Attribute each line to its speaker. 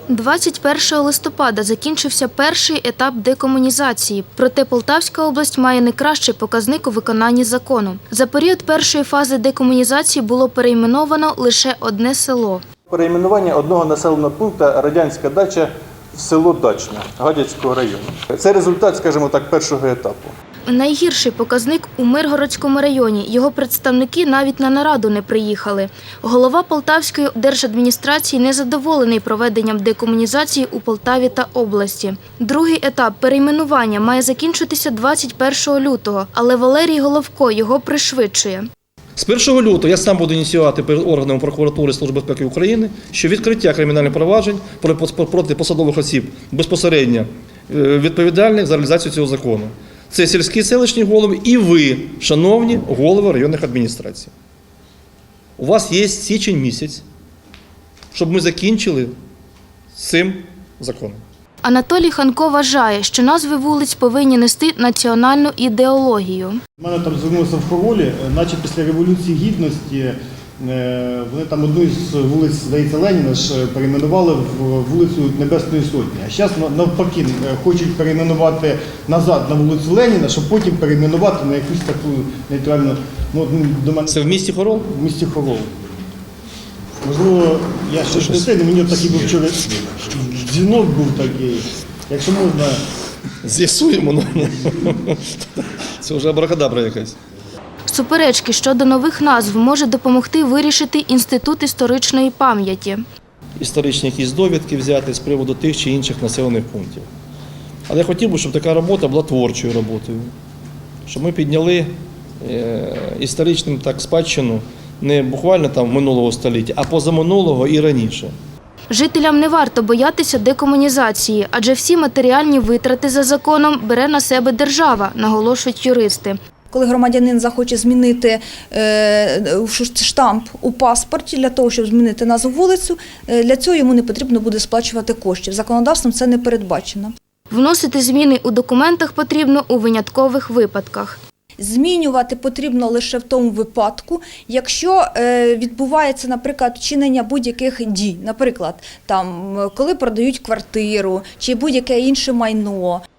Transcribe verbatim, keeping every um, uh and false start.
Speaker 1: двадцять першого листопада закінчився перший етап декомунізації, проте Полтавська область має найкращий показник у виконанні закону. За період першої фази декомунізації було перейменовано лише одне село.
Speaker 2: Перейменування одного населеного пункту «Радянська дача» в село Дачне Гадяцького району. Це результат, скажімо так, першого етапу.
Speaker 1: Найгірший показник у Миргородському районі. Його представники навіть на нараду не приїхали. Голова Полтавської держадміністрації незадоволений проведенням декомунізації у Полтаві та області. Другий етап перейменування має закінчитися двадцять першого лютого, але Валерій Головко його пришвидшує.
Speaker 3: З першого лютого я сам буду ініціювати перед органами прокуратури Служби безпеки України, що відкриття кримінальних проваджень проти посадових осіб безпосередньо відповідальних за реалізацію цього закону. Це сільські селищні голови і ви, шановні голови районних адміністрацій. У вас є січень місяць, щоб ми закінчили з цим законом.
Speaker 1: Анатолій Ханко вважає, що назви вулиць повинні нести національну ідеологію.
Speaker 4: У мене там звернулися в Хоролі, наче після Революції Гідності вони там одну з вулиць, здається, Леніна ж перейменували в вулицю Небесної Сотні. А зараз навпаки хочуть перейменувати назад на вулицю Леніна, щоб потім перейменувати на якусь таку нейтральну. Ну, до мене...
Speaker 3: Це в місті Хорол?
Speaker 4: В місті Хорол. Можливо, я ще не знаю, мені такий був вчора дзвінок був такий. Якщо можна...
Speaker 3: З'ясуємо. Це вже абракадабра якась.
Speaker 1: Суперечки щодо нових назв може допомогти вирішити Інститут історичної пам'яті.
Speaker 3: Історичні якісь довідки взяти з приводу тих чи інших населених пунктів. Але я хотів би, щоб така робота була творчою роботою. Щоб ми підняли історичну так спадщину не буквально там минулого століття, а позаминулого і раніше.
Speaker 1: Жителям не варто боятися декомунізації, адже всі матеріальні витрати за законом бере на себе держава, наголошують юристи.
Speaker 5: Коли громадянин захоче змінити штамп у паспорті для того, щоб змінити назву вулицю, для цього йому не потрібно буде сплачувати коштів. Законодавством це не передбачено.
Speaker 1: Вносити зміни у документах потрібно у виняткових випадках.
Speaker 5: Змінювати потрібно лише в тому випадку, якщо відбувається, наприклад, вчинення будь-яких дій. Наприклад, там, коли продають квартиру чи будь-яке інше майно.